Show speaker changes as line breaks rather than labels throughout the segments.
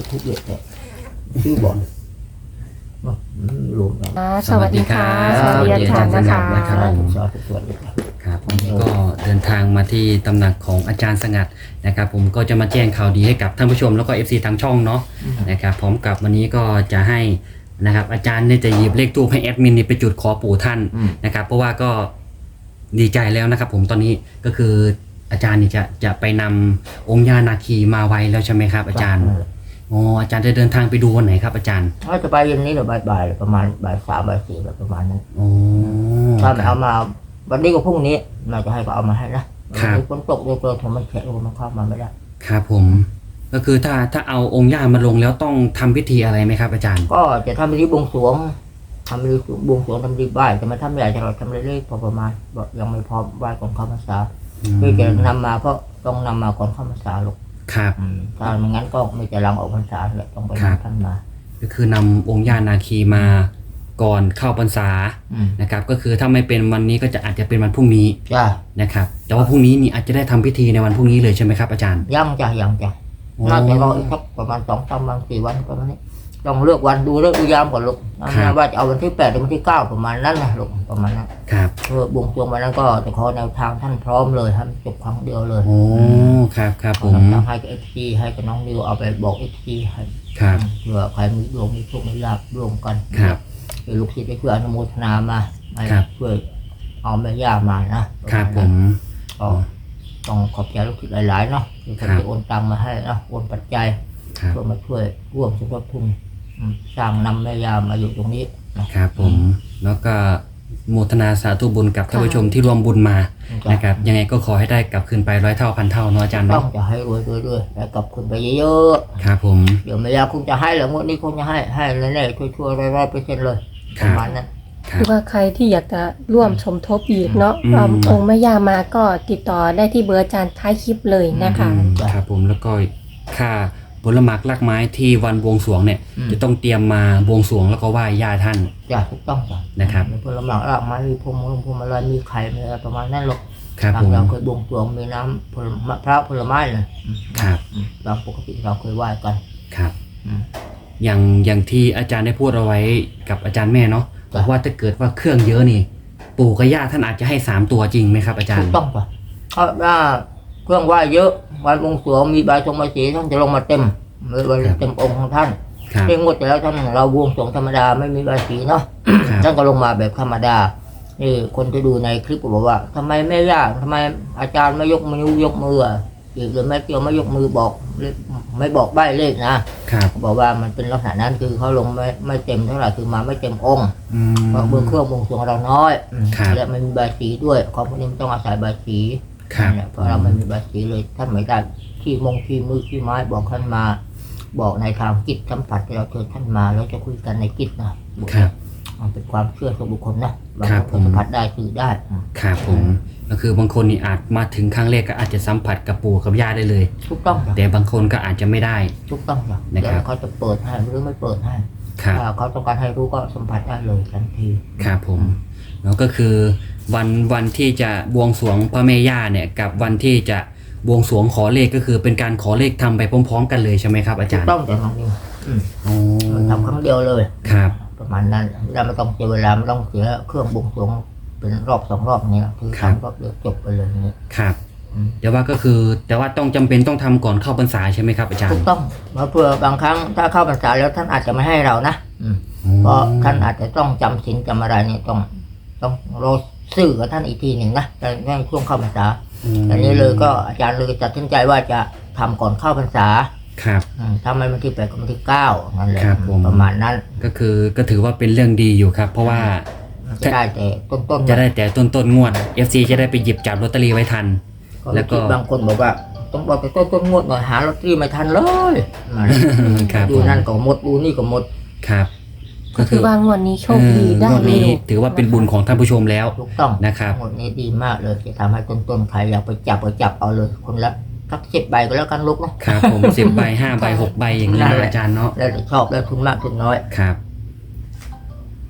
ทุกเยอะแต่ชื่อบอลรวมกัน
สวัสดีค่ะ
สวัสดีอาจารย์นะคะ
สวัสดีครับ
ครับผมก็เดินทางมาที่ตำหนักของอาจารย์สงัดนะครับผมก็จะมาแจ้งข่าวดีให้กับท่านผู้ชมแล้วก็ FC ทางช่องเนาะนะครับพร้อมกับวันนี้ก็จะให้นะครับอาจารย์เนี่ยจะหยิบเลขทูปให้แอดมินนี่ไปจุดขอปู่ท่านนะครับเพราะว่าก็ดีใจแล้วนะครับผมตอนนี้ก็คืออาจารย์นี่จะไปนำองค์ย่านาคีมาไว้แล้วใช่ไหมครับอาจารย์อ๋ออาจารย์จะเดินทางไปดูวันไหนครับอาจารย์
ถ้าจะไปเย็นนี้หรือบ่ายๆประมาณบ่าย3บ่าย4แบบประมาณนั้น
อ๋อ
ถ้าไม่เอามาวันนี้ก็พรุ่งนี้เราจะให้ก็เอามาให้นะฝนตกเลยผมมันแฉะมันเข้ามาไม่ได้
ครับผมก็คือถ้าเอาองค์ย่ามาลงแล้วต้องทำพิธีอะไรไหมครับอาจารย์
ก็จะทำพิธีบวงสรวงทำพิธีบวงสรวงทำพิธีไหว้จะมาทำใหญ่จะเราทำเรื่อยๆพอประมาณยังไม่พร้อมไหว้ก่อนเข้าพรรษาคือจะนำมาก็ต้องนำมาก่อนเข้าพรรษาลูก
ครับ
ถ้าไม่งั้นก็ไม่จะลังออกพรรษาแหละต้องไปท่านมา
ก็คือนำองค์ย่านาคีมาก่อนเข้าพรรษานะครับก็คือถ้าไม่เป็นวันนี้ก็อาจจะเป็นวันพรุ่งนี้
จ้า
นะครับแต่ว่าพรุ่งนี้นี่อาจจะได้ทำพิธีในวันพรุ่งนี้เลยใช่ไหมครับอาจารย์
ยังจ้ะน่าจะรออีกสักประมาณ2-3 วัน4 วันประมาณนี้ต้องเลือกวันดูเลิกดูยามก่อนลูกว่าจะเอาวันที่8หรือวันที่9ประมาณนั้นนะลูกประมาณนั้น
ครับ
เพื่อบวงสรวงวันนั้นก็จะขอแนวทางท่านพร้อมเลยครับจบครั้งเดียวเลย
โอ้ครับผม
ให้กับFGให้กับน้องนิวเอาไปบอกFGให้
ครับ
เพื่อใครมีดวงมีโชคมีลาภร่วมกัน
ครับ
ลูกศิษย์ได้ช่วยอนุโมทนามาให้ช่วยเอาแม่ย่ามานะครับ
ผม
ก็ต้องขอบใจลูกศิษย์หลายๆเนาะที่เขาจะโอนตังมาให้นะโอนปัจจัย
ครับ
เพื่อมาช่วยร่วมสมทบทุนสร้างนำแม่ย่ามาอยู่ตรงนี้นะครับ
ผมแล้วก็โมทนาสาธุบุญกับท่านผู้ชมที่ร่วมบุญมานะครับยังไงก็ขอให้ได้กลับคืนไป100 เท่าพันเท่าเนาะอาจารย์
ต้อ
เนาะ
งจะให้รวยด้วยแล้วกลับคุณไปเยอะ
ครับผม
ๆเดี๋ยวแม่ย่าคงจะให้แหละงวดนี้คงจะให้แน่ๆช่วยๆ100%เลยประมาณนั้น
ครับ
คือว่าใครที่อยากจะร่วมสมทบอีกเนาะองค์แม่ย่ามาก็ติดต่อได้ที่เบอร์อาจารย์ท้ายคลิปเลยนะคะ
ครับผมแล้วก็ค่าผลหมากลากไม้ที่วันบวงสรวงเนี่ยจะต้องเตรียมมาบวงสรวงแล้วก็ไหว้ย่าท่าน
จ้ะถูกต้องจ้ะ
นะครับ
มีผลไม้รากไม้มีพวงมาลัยมีไข่มีอะไรประมาณนั้นหรอก
ครับ
ตา
ผม ม
เราเคยบวงสรวงมีน้ำมะพร้าวผลไม้เลย
ครับ
ตามปกติเราเคยไหว้กัน
ครับ
อืม
อย่างที่อาจารย์ได้พูดเอาไว้กับอาจารย์แม่เนาะ
จ้ะ
ว่าถ้าเกิดว่าเครื่องเยอะนี่ ปู่กับย่าท่านอาจจะให้3 ตัวจริงไหมครับอาจาร
ถู
ย์
กต้องจ้ะเพราะว่าเครื่องไหว้เยอะวันบวงสรวงมีใบทรงใบสีท่านจะลงมาเต็มเต็มองค์ของท่าน
ครับ
เพียงงวดแต่แล้วท่านเราบวงสรวงธรรมดาไม่มีใบสีเนาะ
ครับ
ท่านก็ลงมาแบบธรรมดานี่คนที่ดูในคลิปก็บอกว่าทำไมแม่ย่าทำไมอาจารย์ไม่ยกมือยกมืออีกหรือแม่เกียวไม่ยกมือบอกไม่บอกใบเลขนะครับ บอกว่ามันเป็นลักษณะนั้นคือเขาลงไม่เต็มเท่าไหร่คือมาไม่เต็มองค์
อืม
เพราะเบอร์เครื่องบวงสรวงเราน้อย
ครับ
และมันมีใบสีด้วยของพวกนี้มันต้องอาศัยใบสี
ครับ
เนี่ยเพราะเราไม่มีใบสีเลยท่านไม่ได้ที่มือที่ไม้บอกท่านมา บอกในทางจิตสัมผัสที่เราเชิญท่านมาแล้วจะคุยกันในจิตนะครับ มันเป็นความเชื่อส่วนบุคคลนะบาง
ครับ
ค
ผม
นสัมผัสได้สื่อได้
ครับผมก็คือบางคนนี่อาจมาถึงครั้งแรกก็อาจจะสัมผัสกับปู่กับย่าได้เลย
ถูกต้องจ้ะ
แต่บางคนก็อาจจะไม่ได้
ถูกต้องจ้ะ
นะครับ
เดี๋ยวเขาจะเปิดให้หรือไม่เปิดให้
ครับ
ถ้าเขาต้องการให้รู้ก็สัมผัสได้เลยทันที
ครับผมแล้วก็คือวันที่จะบวงสรวงพระแม่ย่าเนี่ยกับวันที่จะบวงสรวงขอเลขก็คือเป็นการขอเลขทำไปพร้อมๆกันเลยใช่ไหมครับอา
ถู
จาก รย์
ต้องแต่น้องนิว
อ๋อ
มันทำครั้งเดียวเลย
ครับ
ประมาณนั้นเราไม่ต้องเสียเวลาไม่ต้องเสียเครื่องบวงสรวงเป็นรอบ2 รอบนี้คือทำรอบเดียวจบไปเลยนี่
ครับแต่ว่าก็คือแต่ว่าต้องจำเป็นต้องทำก่อนเข้าพรรษาใช่ไหมครับอาจาร
ถู
ย์
กต้องเพื่อบางครั้งถ้าเข้าพรรษาแล้วท่านอาจจะไม่ให้เรานะเพราะท่านอาจจะต้องจำศีลจำอะไรเนี่ยต้องรอสื่อกับท่านอีกทีหนึ่งนะในช่วงเข้าพรรษาอันนี้เลยก็อาจารย์เลยตัดสินใจว่าจะทำก่อนเข้าพรรษา
ครับ
ถ้าไม่วันที่8กับวันที่9นั่นแหละ
ครับผม
ประมาณนั้น
ก็ถือว่าเป็นเรื่องดีอยู่ครับ เพราะว่า
จะได้แต่ต้นๆ
จะได้แต่ต้นงวด FC จะได้ไปหยิบจับลอตเตอรี่ไว้ทัน แล้วก็
บางคนบอกว่าต้องบอกแต่ต้นงวดหน่อยหาลอตเตอรี่ไม่ทันเลย
ครับ
ดูนั่นก็หมดดูนี่ก็หมด
ครับ
ก็คือว่างวดนี้โชคดีได้
งวด
เล
นี้
ย
ถือว่าเป็นบุญของท่านผู้ชมแล้ว
ถูกต้อง
นะครับ
หมดนี้ดีมากเลยจะทำให้ต้นใครอยากไปจับก็จับเอาเลยคนละสัก10 ใบก็แล้วกันลูกเนาะ
ครับผม 10 ใบ 5 ใบ 6 ใบอย่างนี้
นั่น
นะ
แหละ
อาจารย์เนาะ
แล้วแต่ชอบแล้วทุนมากทุนน้อย
ครับ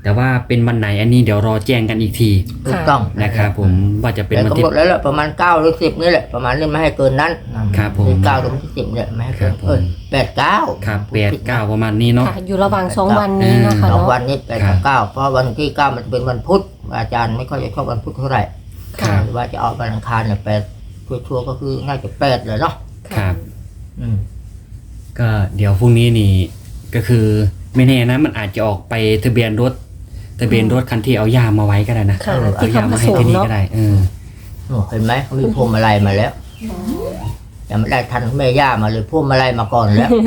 แต่ว่าเป็นวันไหนอันนี้เดี๋ยวรอแจ้งกันอีกที
ถูกต้อง
นะครับผมว่าจะเป็น
แต่
วัน
กำ
ที่
หนดแล้วแหละประมาณ9หรือ10นี่แหละประมาณนี้ไม่ให้เกินนั้น
ครับผม
9หรือ10เนี่ยไม่ให้เกิน
ครับผม
8 9
ครับ8 9ประมาณนี้เนาะ
ค่ะอยู่ระหว่าง2 วันนี้เนาะค่ะ
สอง
เนาะ
วันนี้8 กับ 9เพราะวันที่ 9มันจะเป็นวันพุธอาจารย์ไม่ค่อยจะชอบวันพุธเท่าไหร่
ครับ
หรือว่าจะเอาวันอังคารเนี่ย8ชัวร์ๆก็คือน่าจะ8เลยเนาะ
ครับ
อืม
ก็เดี๋ยวพรุ่งนี้นี่ก็คือไม่แน่นะมันอาจจะออกไปทะเบียนรถคันที่เอายามาไว้ก็ได้นะ
ค่ะ
เอา
ที่
ยา
เขาผ
มา
ส
ให้
ม
ที่นี่
เนาะ
ก็ได้
เห็นไหมเขามีพวงมาลัยมาแล้วยังไม่ได้ทันแม่ย่ามาเลยพวงมาลัยมาก่อนแล้ว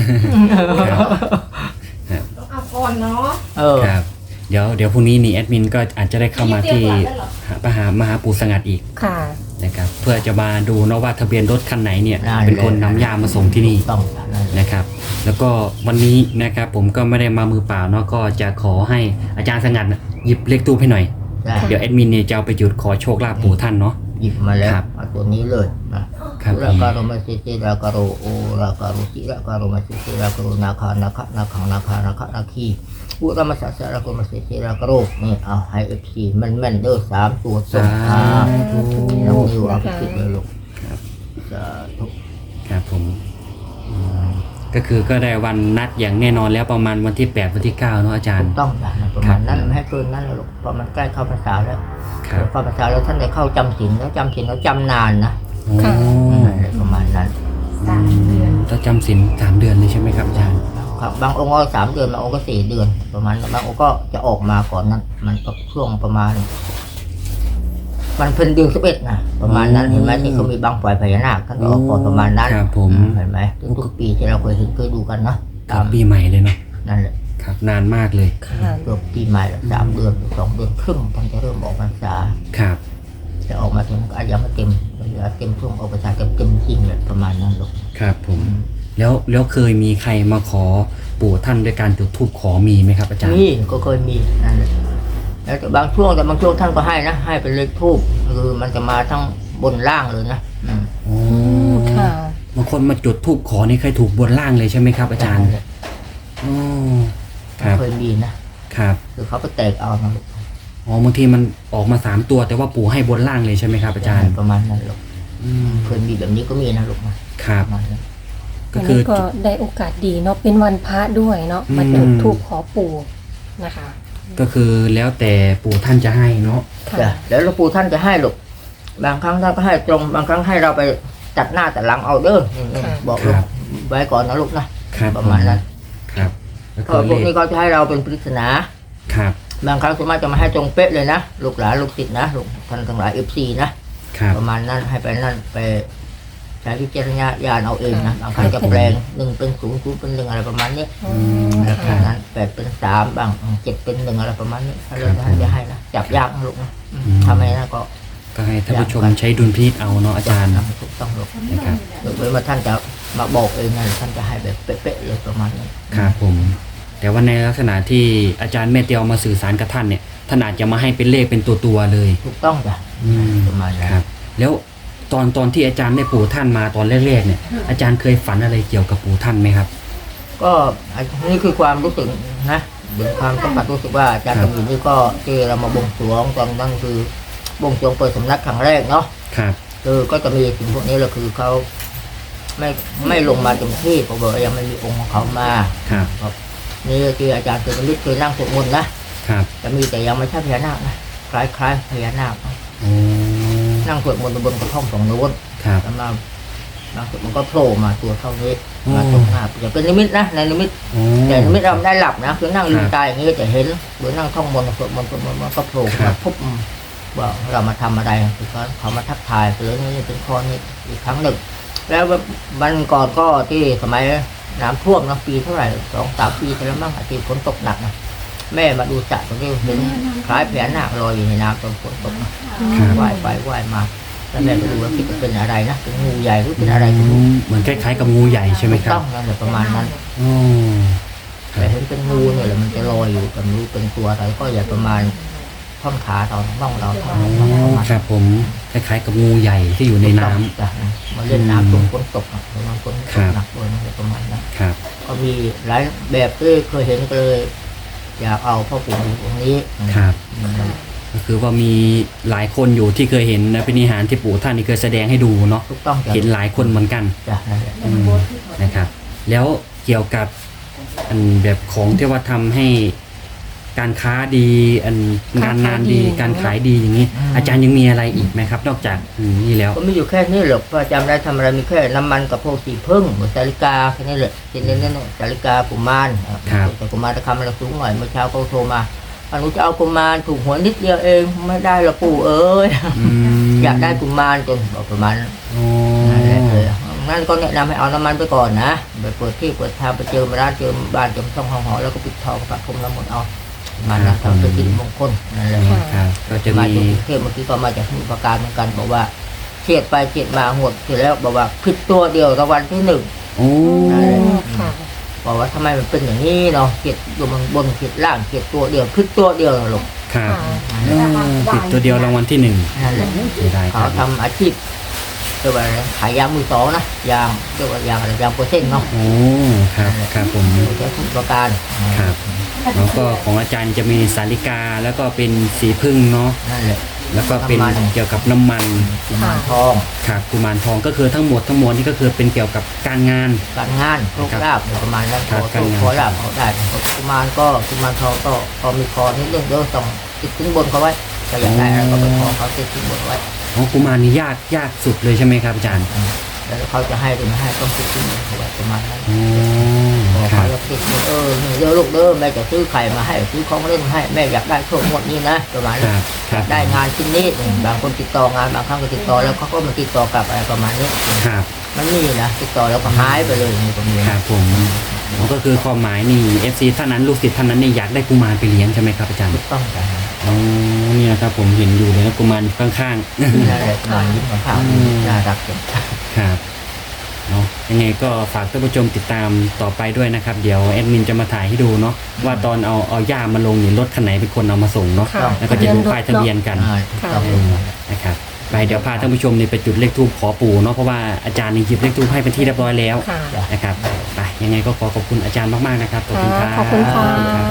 เอาก่อนเนาะ
ครับเดี๋ยวพรุ่งนี้นี่แอดมินก็อาจจะได้เข้ามาที่มหาปู่สงัดอีก
ค่ะ
นะครับเพื่อจะมาดูเนาะว่าทะเบียนรถคันไหนเนี่ย
ได้
เป็นคนนำยามาส่งที่นี่
ต้อง
นะครับ แล้วก็วันนี้นะครับผมก็ไม่ได้มามือเปล่าเนาะก็จะขอให้อาจารย์สงัดหยิบเลขตู้ให้หน่อย
ได้
เดี๋ยวแอดมินเนี่ยจะเอาไปจุดขอโชคลาภปู่ท่านเนาะ
หยิบมาแล้ว
ครับ
เอาตัวนี้เลยนะครับ ราการุมาสิสิราการุโอราการุสิราการุมาสิสิราการุนาคานาคะนาคังนาคานาคะนาคีอุรมาสัสสะราการุมาสิสิราการุนี่เอาให้FCแม่นๆเด้อ3ตัวส่ง
สาธุ
น้องนิวเอาไปคิดเลยลูก
ครับ
สาธุ
ครับผมก็คือก็ได้วันนัดอย่างแน่นอนแล้วประมาณวันที่8วันที่9เนาะอาจาร
ถู
ย์
กต้องจ้ะประมาณนั้นไม่ให้เกินนั้นแล้วลูกเพราะมันใกล้เข้าพรรษาแล้ว
ครับ
เข้าพรรษาแล้วท่านได้เข้าจำศีลแล้วจำศีลแล้วจำนานนะ
โอ้
ค่ะ
ประมาณนั้น
ถ้าจำศีล3 เดือนเลยใช่ไหมครับอาจารย์
ครับบางองค์ก็3 เดือนบางองค์ก็4 เดือน ประมาณนั้นบางองค์ก็จะออกมาก่อนนั้น มันก็ช่วงประมาณ มันเป็นเดือน11นะประมาณนั้นเห็นไหมที่เขามีบางฝ่ายพญานาคท่านก็ออกก่อนประมาณนั้น
ครับผม
เห็นไหมทุกๆปีที่เราเคยดูกันเนาะ
ครั
ตา
บ
ม
ปีใหม่เลยเนาะ
นั่นแหละ
ครับนานมากเลย
ค่ะ
ตัวปีใหม่ละ3 เดือนหรือ2 เดือนครึ่งท่านจะเริ่มออกพรรษา
ครับ
จะออกมาถึงอาจจะไม่เต็มเหลือเต็มช่วงออกพรรษาเต็มจริงเลยประมาณนั้นลูก
ครับผมแล้วเคยมีใครมาขอปู่ท่านด้วยการจุดธูปขอมีไหมครับอาจารย์
นี่ก็เคยมีนั่นแหละแล้วแต่บางช่วงท่านก็ให้นะให้เป็นเลขทูบคือมันจะมาทั้งบนล่างเลยนะ
โอ้
ค่ะ
บางคนมาจุดธูปขอนี่เคยถูกบนล่างเลยใช่ไหมครับอาจารย์โอ้ครับ
เคยมีนะครับ คือเขาไปแตกเอานะลูก
อ๋อบางทีมันออกมา3 ตัวแต่ว่าปู่ให้บนล่างเลยใช่ไหมครับอาจารย์
ประมาณนั้นลูก
อืม
เคยมีแบบนี้ก็มีนะลูกนะครับ ประมาณนั้น
ก็
วัน
คื
นี้
อ
ก็ได้โอกาสดีเนาะเป็นวันพระด้วยเนาะมาจุดธูปขอปู่นะคะ
ก็คือแล้วแต่ปู่ท่านจะให้เนาะ
ค่ะ
จ้ะแล้วหลวงปู่ท่านจะให้ลูกบางครั้งท่านก็ให้ตรงบางครั้งให้เราไปตัดหน้าตัดหลังเอาเด้อบอกลูกไว้ก่อนนะลูกนะครับ ประมาณนั้น
ครับก็
เพ
คือ
ราะพ
เล
วกนี้
ข
เขาจะให้เราเป็นปริศนา
ครับ
บางครั้งสมมติจะมาให้ตรงเป๊ะเลยนะลูกหลานลูกศิษย์นะลูกท่านทั้งหลายFC นะครับ ประมาณนั้นให้ไปนั่นไปใช้พิจารณญาณเอาเองนะบางครั้งจะแปลง1เป็น0 0เป็น1อะไรประมาณนี้
อ๋อ
อะไรประ
ค่ะ
มาณนั้น8เป็น3บ้าง7เป็น1อะไรประมาณนี้ถ้าเราท่านจะให้นะจับยากนะลูกนะทำไมนะก็
ก็ให้ท่านผู้ชมใช้ดุลพินิจเอาเนาะอาจารย์
ถูกต้องลูก
นะครับ
หรือว่าท่านจะมาบอกเองนะท่านจะให้แบบเป๊ะๆเลยประมาณนี้
ครับผม แต่ว่าในลักษณะที่อาจารย์แม่เตียวมาสื่อสารกับท่านเนี่ยท่านอาจจะมาให้เป็นเลขเป็นตัวๆเลย
ถูกต้องจ้ะ
อืม
ประมาณนั้น
ครับ แล้วตอนที่อาจารย์ได้ปู่ท่านมาตอนแรกๆเนี่ยอาจารย์เคยฝันอะไรเกี่ยวกับปู่ท่านไหมครับ
ก็อันนี่คือความรู้สึกนะเรื่องความสัมผัสรู้สึกว่าอาจารย์
ครั
กำ
บ
มินนี่ก็ที่เรามาบวงสรวงตอนนั้นคือบวงสรวงเปิดสำนักครั้งแรกเนาะ
ครับ
คือก็จะมีสิ่งพวกนี้แหละคือเขาไม่ลงมาเต็มที่เพราะว่ายังไม่มีองค์ของเขามา
ครับ
ครับนี่คืออาจารย์เคยนิดเคยนั่งสวดมนต์นะครับ จะมีแต่ยังไม่ใช่พญานาคนะคล้ายพญานาคนะ
โอ้
นั่งสวดมนต์บนกระท่อมของโน้น
ครับ
แล้วมาบางสุดมันก็โผล่มาตัวเท่านี้
อืม
มาตรงหน้าจะเป็นนิมิตนะในนิมิต
โอ้
แต่นิมิตเราไม่ได้หลับนะคือนั่งลื
ค
ม
รับ
ตาอย่างนี้จะเห็นหรือนั่งท่องมนต์สวดมนต์มันก็โผล่
ครั
มา
บ
ปุ๊บว่าเรามาทำอะไรคือเขามาทักทายหรือนี่เป็นข้อนี้อีกครั้งหนึ่ง แล้ววันก่อนก็ที่สมัยน้ำท่วมนะปีเท่าไหร่2-3 ปีแล้วมั้งที่ฝนตกหนักนะแม่มาดูสระตรงนี้เห็นคล้ายพญานาคลอยอยู่ในน้ำตอนฝนตกนะครับ ว่ายไปว่ายมาแล้วแม่ไปดูแล้วคิดว่าเป็นอะไรนะเป็นงูใหญ่หรือเป็นอะไรก็ไม่รู้
เหมือนคล้ายๆกับงูใหญ่ใช่ไหมครั
ต้
บ
องนั่นแหละประมาณนั้น
โอ้ค
แต่
รับ
เห็นเป็นงูเนี่ยแหละมันจะลอยอยู่แต่ไม่รู้เป็นตัวอะไรก็อย่าประมาณท่อนขาเราบ้องเราเท่า
อ๋
นั้นประ
อ
มาณ
ครับผมคล้ายๆกับงูใหญ่ที่อยู่ในน้ำ
จ้ะมาเล่นน้ำตรงฝนตกนะประมาณฝนต
ครั
ก
บ
หนักเลยนะประมาณนั้น
ครับ
ก็มีหลายแบบที่เคยเห็นก็เลยอยากเอาพ่อปู่ตรงนี้
ครับ
อืม
ก็คือว่ามีหลายคนอยู่ที่เคยเห็นนะพินิหารที่ปู่ท่านนี่เคยแสดงให้ดูเนาะ
ถูกต้องจ้ะ
เห็นหลายคนเหมือนกัน
จ้ะนั่นแหละ
นะครับ แล้วเกี่ยวกับอันแบบของที่ว่าทำให้การค้าดีอันงานดีการขายดีอย่างนี้ อาจารย์ยังมีอะไรอีกไหมครับ นอกจากนี่แล้ว
ก็ไม่อยู่แค่นี้หรอกประจำได้ทำอะไรมีแค่น้ำมันกับพวกสีพึ่งเหมือนสาลิกาแค่นี้แหละทีนี้นั่นสาลิกากุมารแต่กุมารราคามันสูงหน่อยเมื่อเช้าเขาโทรมาหนูจะเอากุมารถูกหวยนิดเดียวเองไม่ได้หรอกปู่เอ้ย อยากได้กุมารจนบอกประมาณนั้น
อ๋อ
เลยนั่นก็แนะนำให้เอาน้ำมันไปก่อนนะไปเปิดที่เปิดทางไปเจอร้านเจอบ้านเจอช่องห้องหอแล้วก็ปิดทองประพรมน้ำมนต์เอามันนะทำเป็นสิริมงคลนั่นแหละ
ครับก็จะ
มา
มี
จากกรุงเทพเมื่อกี้ก็มาจากสมุทรปราการเหมือนกันบอกว่าเฉียดไปเฉียดมาหวดเสร็จแล้วบอกว่าผิดตัวเดียวรางวัลที่หนึ่ง
โอ้
ค่ะ
บอกว่าทำไมมันเป็นอย่างนี้เนาะเฉียดอยู่บนเฉียดล่างเฉียดตัวเดียวผิดตัวเดียวนะลูก
ครับติดตัวเดียวรางวัลที่ 1
นั่นแหละ
เสียดายค
เขา
รับ
ทำอาชีพเรียกว่าอะไรขายยางมือสองนะยางเรียกว่ายางอะไรยางโปรเซนต์เนาะ
โอ้ครับครับผม
ใช้ทุกประการ
ครับแล้วก็ของอาจารย์จะมีสาลิกาแล้วก็เป็นสีพึ่งเนาะ
นั่นแหละ
แล้วก็เป็นเกี่ยวกับน้ำมัน
กุมารทอง
ครับกุมารทองก็คือทั้งหมดทั้งมวลนี่ก็คือเป็นเกี่ยวกับการงาน
การงานโชคลาภประมาณนั้น
ครั
ข
บ
อ
การงาน
ขอลาภเขาได้กุมารก็กุมารทองก็พอมีคอนิดนึงเดี๋ยวต้องติดสินบนเขาไว้ก็อยากได้อะไรก็ไปขอเขาติดสินบนไว้
อ๋อกุมารนี่ยากสุดเลยใช่ไหมครับอาจารย์
แล้วเขาจะให้หรือไม่ให้ต้องติดสินบนเขาไว้ประมาณนั้น
อ๋
พ
อ
อ
ครั
เขา
บ
จะติดสินนี่เดี๋ยวลูกเด้อแม่จะซื้อไข่มาให้ซื้อของเล่นมาให้แม่อยากได้โชคหมดนี้นะประมาณ
ค
นั้น
รับครับ
ได้งานชิ้นนี้บางคนติดต่องานบางครั้งก็ติดต่อแล้วเขาก็มาติดต่อกลับอะไรประมาณนี้
ครับ
มันมีนะติดต่อแล้วก็หายไปเลยนี่ตรงนี้
ครับผมอ๋อก็คือความหมายนี่ FC ท่านนั้นลูกศิษย์ท่านนั้นนี่อยากได้กุมารไปเลี้ยงใช่ไหมครับอาจารย์
ถูกต้องจ้ะ
อ๋อนี่นะครับผมเห็นอยู่เลยนะกุมารอยู่ข้าง
นั่นแหละประมาณนี้ของข้าวน่ารักจัง
ๆครับเนาะยังไงก็ฝากท่านผู้ชมติดตามต่อไปด้วยนะครับ เดี๋ยวแอดมินจะมาถ่ายให้ดูเนาะว่าตอนเอาย่ามาลงนี่รถคันไหนเป็นคนเอามาส่งเนาะ
ค่ะ
แล้วก็จะดูป้ายทะเบียนกัน
ถูกต้อง
นะครับไปเดี๋ยวพาท่านผู้ชมนี่ไปจุดเลขทูปขอปู่เนาะเพราะว่าอาจารย์นี่หยิบเลขทูปให้เป็นที่เรียบร้อยแล้ว
ค่ะ
นะครับไปยังไงก็ขอบคุณอาจารย์มากๆนะครับขอบคุณครับ
ขอบคุณค่ะ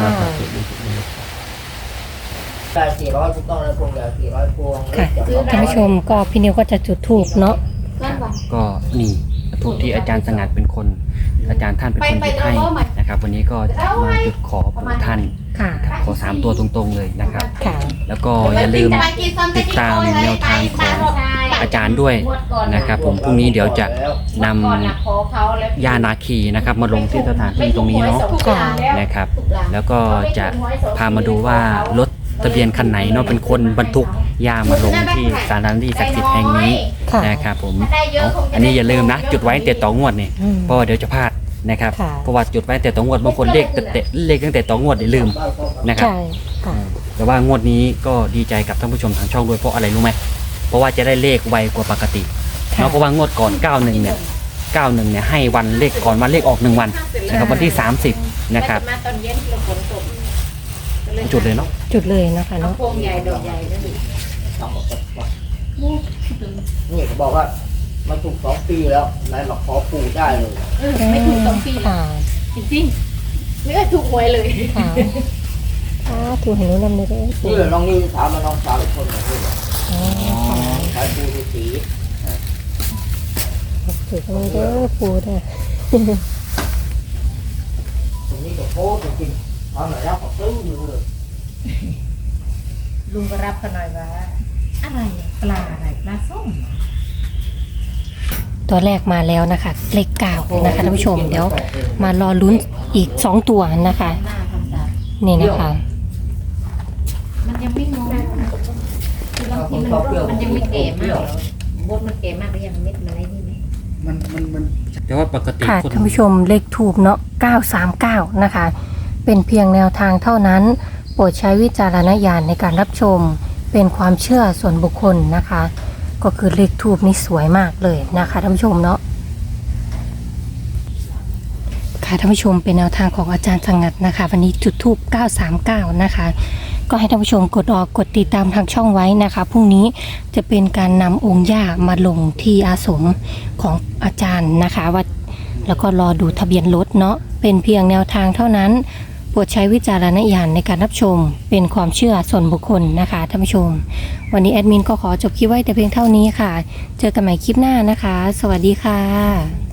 ได้400ถูกต้องแล้วพวงเดียว400พวง
ค่ะท่านผู้ชมก็พี่นิวก็จะจุดธูปเนาะ
ก็นี่ทูปที่อาจารย์สงัดเป็นคน อาจารย์ท่านเป็นคนหยิบให้นะครับ วันนี้ก็จะมาจุดขอปู่ท่าน
ค่ะ
ขอ3ตัวตรงๆเลยนะครับ
ค่ะ
แล้วก็อย่าลืมติดตามแนวทางของอาจารย์ด้วยนะครับผมพรุ่งนี้เดี๋ยวจะนำยานาคีนะครับมาลงที่สถานที่ตรงนี้เนาะ
ค่ะ
นะครับ แล้วก็จะพามาดูว่ารถทะเบียนคันไหนเนาะเป็นคนบรรทุกยามาลงที่สถานที่ศักดิ์สิทธิ์แห่งนี้
ค่ะ
นะครับผมอันนี้อย่าลืมนะ จุดไว้ตั้งแต่ต่องวดนี่
อืม
เพราะว่าเดี๋ยวจะพลาดนะครับ
ค่ะ
เพราะว่าจุดไว้ตั้งแต่ต่องวดบางคนเลขตั้งแต่ต่องวดนี่ลืมนะครับ
ใช่ค่ะ
แต่ว่างวดนี้ก็ดีใจกับท่านผู้ชมทางช่องด้วยเพราะอะไรรู้ไหมเพราะว่าจะได้เลขไวกว่าปกติ
ค่ะ
เนาะเพราะว่างวดก่อน 91 เนี่ย 91 เนี่ยให้วันเลขก่อนวันเลขออก1 วันนะครับวันที่ 30 นะครับ
มาตอนเย็นเราฝนตก
จุดเลยเนาะ
จุดเลยนะคะเนาะ
พวงใหญ่ดอกใหญ่นั่นเอง
นี่เขาบอกว่ามาถูก2 ปีแล้วนายมาขอปู่ได้เลย
ไม่ถูก2 ปีแล้ว
ค่ะ
จริงๆไม่เคยถูกหวยเลย
ค่ะถูกเห็นรู้นำเลยด้วย
นี่แหละน้องนี่ถามมาน้องสาวอีกคนหนึงนี่แหละ
อ๋อค่ะ
ขายปู่ฤาษี
ถูกตรงนี้เด้อปูเด้อ
ตรงนี้ก็โคตรจริงๆทำอะไรแล้วก็ซื้ออยู่เลย
ลุงก็รับกันหน่อยว่าอะไรปลาอะไรปลาส้ม
ตัวแรกมาแล้วนะคะ เลข9นะคะท่านผู้ชมเดี๋ยวมารอลุ้นอีก2ตัวนะคะ
หน้าทำตา
นี่นะคะ
มันยังไม่งงคือบางทีมันยังไม่แก่มากบดมันแก่มากหรือยังเม็ดมันอะไรนี่ไหม
แต่ว่าปกติ
ค่ะ
คน
ท่านผู้ชมเลขทูบเนาะ939นะคะ เป็นเพียงแนวทางเท่านั้น โปรดใช้วิจารณญาณในการรับชมเป็นความเชื่อส่วนบุคคลนะคะ ก็คือเลขทูบนี่สวยมากเลยนะคะท่านผู้ชมเนาะค่ะท่านผู้ชมเป็นแนวทางของอาจารย์สงัดนะคะ วันนี้จุดทูบ939นะคะ ก็ให้ท่านผู้ชมกดออกกดติดตามทางช่องไว้นะคะพรุ่งนี้จะเป็นการนำองค์ย่ามาลงที่อาสมของอาจารย์นะคะว่าแล้วก็รอดูทะเบียนรถเนาะเป็นเพียงแนวทางเท่านั้น โปรดใช้วิจารณญาณในการรับชมเป็นความเชื่อส่วนบุคคลนะคะท่านผู้ชมวันนี้แอดมินก็ขอจบคลิปไว้แต่เพียงเท่านี้ค่ะเจอกันใหม่คลิปหน้านะคะสวัสดีค่ะ